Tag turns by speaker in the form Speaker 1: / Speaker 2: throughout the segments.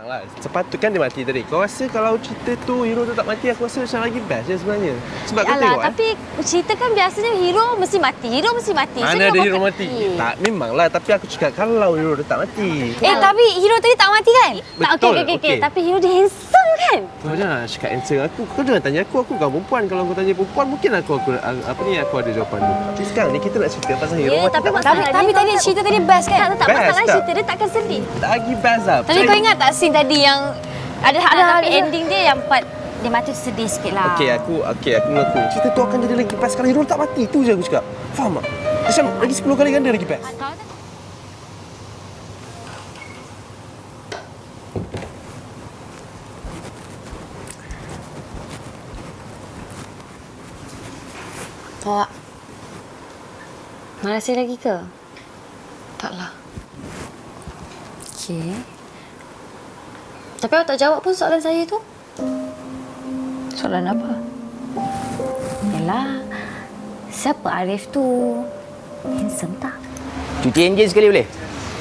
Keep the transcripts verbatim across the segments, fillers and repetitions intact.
Speaker 1: Memanglah. Sepatutnya dia mati tadi. Kau rasa kalau cerita tu hero tu tak mati, aku rasa macam lagi best je sebenarnya. Sebab kau
Speaker 2: Yalah,
Speaker 1: tengok
Speaker 2: tapi eh. cerita kan biasanya hero mesti mati. Hero mesti mati.
Speaker 1: Mana ada hero mati? Eh, tak, memanglah. Tapi aku cakap kalau hero dia tak mati.
Speaker 2: Eh, tapi hero tadi tak mati kan?
Speaker 1: Betul,
Speaker 2: Tak, okey, okey, okey.
Speaker 1: okey.
Speaker 2: Tapi hero dia handsome kan?
Speaker 1: Kau jangan cakap answer aku. Kau jangan tanya aku. Aku bukan perempuan. Kalau kau tanya perempuan, mungkin aku, aku apa ni aku ada jawapan tu. Tapi sekarang ni kita nak cerita pasal hero
Speaker 2: Ya,
Speaker 1: mati
Speaker 2: tapi
Speaker 1: tak mati.
Speaker 2: masalah tapi tadi cerita tadi best kan? Tak, tak
Speaker 1: Best
Speaker 2: masalah
Speaker 1: tak?
Speaker 2: cerita dia takkan sedih.
Speaker 1: Lagi best lah.
Speaker 2: Tapi kau ingat tak scene tadi yang ada ada tapi
Speaker 3: ada.
Speaker 2: ending dia yang part dia mati tu sedih sikit lah.
Speaker 1: Okey, aku okey aku mengaku. Cerita tu akan jadi lagi best kalau hero tak mati. Itu je aku cakap. Faham tak? Macam lagi sepuluh kali ganda lagi best.
Speaker 2: Kau tu Awak marah saya lagi ke?
Speaker 3: Taklah.
Speaker 2: Okey. Tapi awak tak jawab pun soalan saya tu.
Speaker 3: Soalan apa?
Speaker 2: Yalah, siapa Arif tu? Handsome tak?
Speaker 4: Cuci enjin sekali boleh?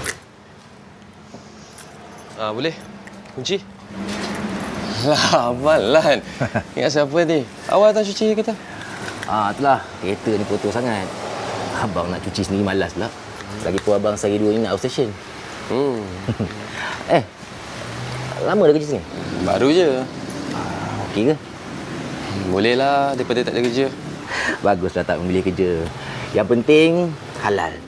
Speaker 1: Ah, boleh. Kunci. Lah, abang Lan. Ingat siapa ni? Awal tak cuci kata?
Speaker 4: Ah, itulah. Kereta ni kotor sangat. Abang nak cuci sendiri malas pula. Lagipun abang sehari dua ni nak outstation.
Speaker 1: Hmm.
Speaker 4: Eh, lama dah kerja sini?
Speaker 1: Baru je.
Speaker 4: Okey ke?
Speaker 1: Boleh lah daripada tak ada kerja.
Speaker 4: Baguslah tak memilih kerja. Yang penting, halal.